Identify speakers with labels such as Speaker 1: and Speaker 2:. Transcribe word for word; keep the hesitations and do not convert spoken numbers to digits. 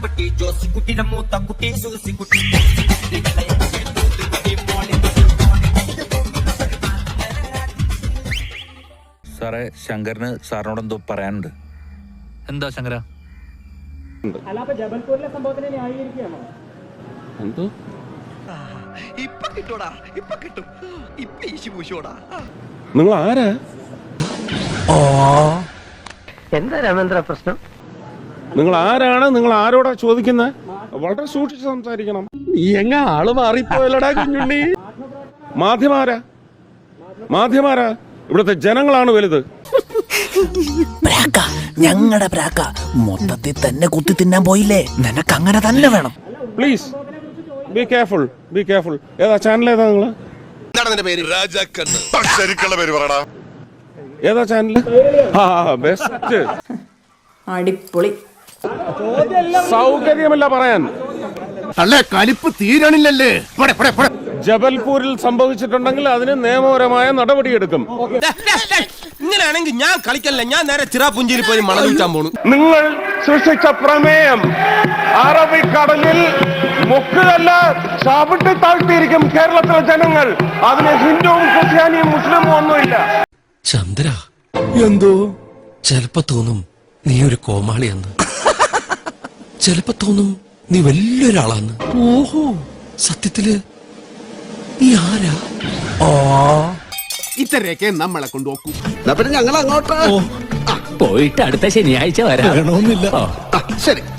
Speaker 1: മാത്തുക്കുട്ടി ജോസിക്കുട്ടിയുടെ മൂത്ത കുട്ടി സൂസിക്കുട്ടി.
Speaker 2: സാറേ, ശങ്കറിന് സാറിനോട് എന്തോ പറയാനുണ്ട്.
Speaker 3: എന്താ ശങ്കര?
Speaker 4: ജബൽപൂരിലെ സംഭവത്തിനെ ന്യായീകരിക്കുകയാണോ?
Speaker 5: എന്തോ
Speaker 6: ഇപ്പൊ കിട്ടൂടാ, ഇപ്പൊ കിട്ടും, ഇപ്പൊ ഈശി പൂശോടാ.
Speaker 5: നിങ്ങൾ ആരാ?
Speaker 7: എന്താ രാമേന്ദ്ര പ്രശ്നം?
Speaker 5: നിങ്ങൾ ആരാണ്? നിങ്ങൾ ആരോടാ ചോദിക്കുന്നത്? വളരെ സൂക്ഷിച്ച് സംസാരിക്കണം.
Speaker 6: നീ എങ്ങ ആള് മാറിപ്പോയല്ലടാ കുഞ്ഞുണ്ണി.
Speaker 5: മാധ്യമാരാ മാധ്യമാരാ ഇവിടുത്തെ ജനങ്ങളാണ് വലുത്.
Speaker 8: ഞങ്ങളുടെ പ്രാക്ക മൊത്തത്തിൽ തന്നെ കുത്തി തിന്നാൻ പോയില്ലേ? നിനക്ക് അങ്ങനെ തന്നെ വേണം.
Speaker 5: Please be careful, be careful. ഏതാ ചാനൽ? ഏതാ നിങ്ങള്?
Speaker 6: എന്താണ് നിന്റെ പേര്? രാജാക്കണ്ണ്.
Speaker 9: ശരിക്കുള്ള പേര് പറടാ.
Speaker 5: ഏതാ ചാനൽ? ആ ബെസ്റ്റ്.
Speaker 10: അടിപൊളി.
Speaker 5: സൗകര്യമല്ല പറയാൻ.
Speaker 6: അല്ലേ കലിപ്പ് തീരണില്ലല്ലേ?
Speaker 5: ജബൽപൂരിൽ സംഭവിച്ചിട്ടുണ്ടെങ്കിൽ അതിന് നിയമപരമായ നടപടിയെടുക്കും.
Speaker 6: ഇങ്ങനെയാണെങ്കിൽ ഞാൻ കളിക്കല്ല, ഞാൻ നേരെ ചിറാപുഞ്ചിയിൽ പോയി മണൽ വിൽക്കാൻ പോണു.
Speaker 5: നിങ്ങൾ സൃഷ്ടിച്ച പ്രമേയം അറബിക്കടലിൽ മുക്കുകല്ല ചവിട്ടി താഴ്ത്തിയിരിക്കും കേരളത്തിലെ ജനങ്ങൾ. അതിന് ഹിന്ദുവും ക്രിസ്ത്യാനിയും മുസ്ലിമും ഒന്നുമില്ല.
Speaker 11: ചന്ദ്ര, എന്തോ ചെലപ്പോ തോന്നും നീ ഒരു കോമാളിയെന്ന്, ചെലപ്പോ തോന്നും നീ വലിയൊരാളാന്ന്. ഓഹോ, സത്യത്തില് നീ ആരാ? ഓ,
Speaker 6: ഇത്രയൊക്കെ നമ്മളെ കൊണ്ടുപോക്കൂ.
Speaker 7: ഞങ്ങൾ അങ്ങോട്ട്
Speaker 8: പോയിട്ട് അടുത്ത ശനിയാഴ്ച വരാണമെന്നില്ല.
Speaker 6: ശരി.